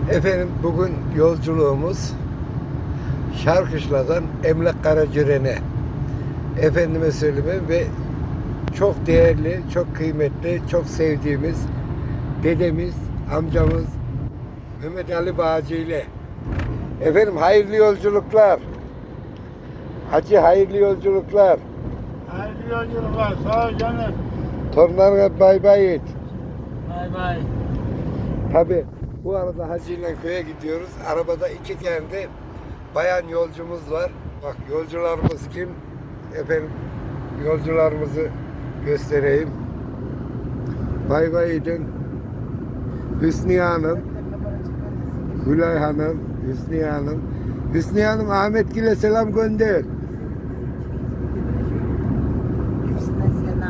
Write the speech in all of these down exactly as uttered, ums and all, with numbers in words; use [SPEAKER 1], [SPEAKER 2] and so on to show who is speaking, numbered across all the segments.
[SPEAKER 1] Efendim bugün yolculuğumuz Şarkışla'dan Emlak Karacören'e. Efendime söyleyeyim ve çok değerli, çok kıymetli, çok sevdiğimiz dedemiz, amcamız Mehmet Ali Bağcı ile. Efendim hayırlı yolculuklar. Hacı hayırlı yolculuklar.
[SPEAKER 2] Hayırlı yolculuklar. Sağ ol canım.
[SPEAKER 1] Torunlarına bay bay et.
[SPEAKER 2] Bay bay.
[SPEAKER 1] Tabi bu arada Hacı ile köye gidiyoruz. Arabada iki tane de bayan yolcumuz var. Bak yolcularımız kim? Efendim yolcularımızı göstereyim. Bay bay edin. Hüsniye Hanım, Gülay Hanım, Hüsniye Hanım. Hüsniye Hanım Ahmet Gül'e selam gönder.
[SPEAKER 3] Hepsine selam.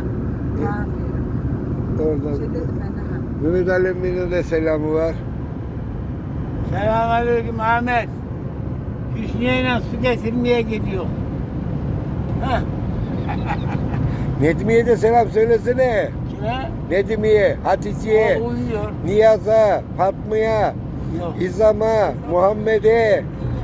[SPEAKER 1] Oradan. Mehmet Ali'nin de selamı var.
[SPEAKER 2] Selamünaleyküm Ahmet. Hüsniye'yle su getirmeye gidiyor. Heh.
[SPEAKER 1] Nedimiye de selam söylesene.
[SPEAKER 2] Kime?
[SPEAKER 1] Nedimiye, Hatice'ye,
[SPEAKER 2] O uyuyor.
[SPEAKER 1] Niyaz'a, Fatma'ya,
[SPEAKER 2] Yok.
[SPEAKER 1] İzam'a, Muhammed'e.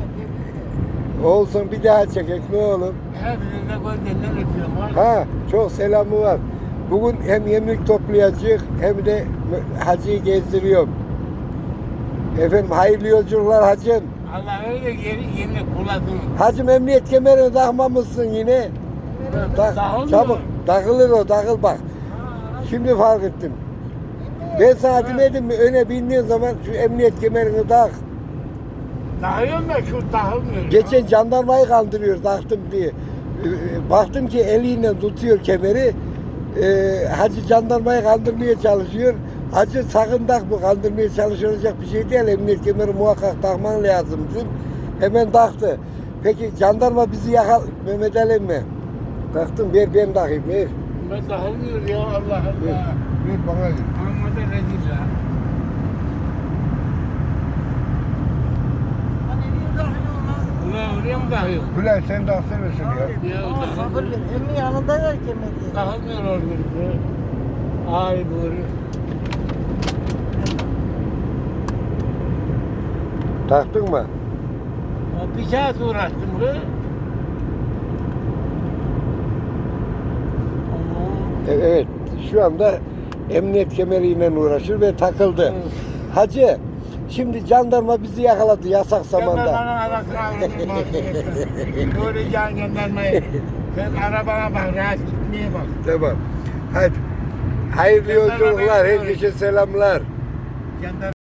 [SPEAKER 1] Olsun bir daha çekek ne olur.
[SPEAKER 2] Hepsini de gözlerinden öpüyorum. Var.
[SPEAKER 1] Ha çok selamı var. Bugün hem yemlik toplayacak hem de hacıyı gezdiriyorum. Efendim hayırlı yolculuklar hacım.
[SPEAKER 2] Allah öyle yeri yerine kulasın.
[SPEAKER 1] Hacım emniyet kemerini takmamışsın yine. Tak,
[SPEAKER 2] Takılmıyor.
[SPEAKER 1] çabuk takılır o takıl bak. Şimdi fark ettim. Ben sana demedim mi öne bindiğin zaman şu emniyet kemerini tak.
[SPEAKER 2] Takıyorum da şu takılmıyor.
[SPEAKER 1] Geçen jandarmayı kandırıyor taktım diye. Ee, Baktım ki eliyle tutuyor kemeri. Ee, hacı jandarmayı kandırmaya çalışıyor. Hacı sakın takma, kandırmaya çalışılacak bir şey değil. Emniyet kemeri muhakkak takman lazım dedim. Hemen taktı. Peki jandarma bizi yakal... Mehmet Ali mi? Taktım ver ben takayım ver.
[SPEAKER 2] Ben takılmıyor ya Allah
[SPEAKER 1] Ver,
[SPEAKER 2] Allah.
[SPEAKER 1] ver bana ver.
[SPEAKER 2] Amma da rezil ya. Ulan oraya mı takıyor?
[SPEAKER 1] Gülay sen taksana şunu ya.
[SPEAKER 2] Ya
[SPEAKER 3] Ama sabır
[SPEAKER 2] takılmıyor.
[SPEAKER 3] ver. Emmi yanında yer kemeri.
[SPEAKER 2] Takılmıyor orada. Ay doğru.
[SPEAKER 1] Taktın mı?
[SPEAKER 2] Ya bir saat uğraştım kız.
[SPEAKER 1] E- Evet. Şu anda emniyet kemeriyle uğraşır ve takıldı. Hacı, şimdi jandarma bizi yakaladı yasak zamanda.
[SPEAKER 2] Jandarmanın arasına alırım. Böyle can göndermeyi. Sen arabana bak, rahat gitmeye bak.
[SPEAKER 1] Tamam. Hadi. Hayırlı yolculuklar. Herkese selamlar.
[SPEAKER 2] Jandarma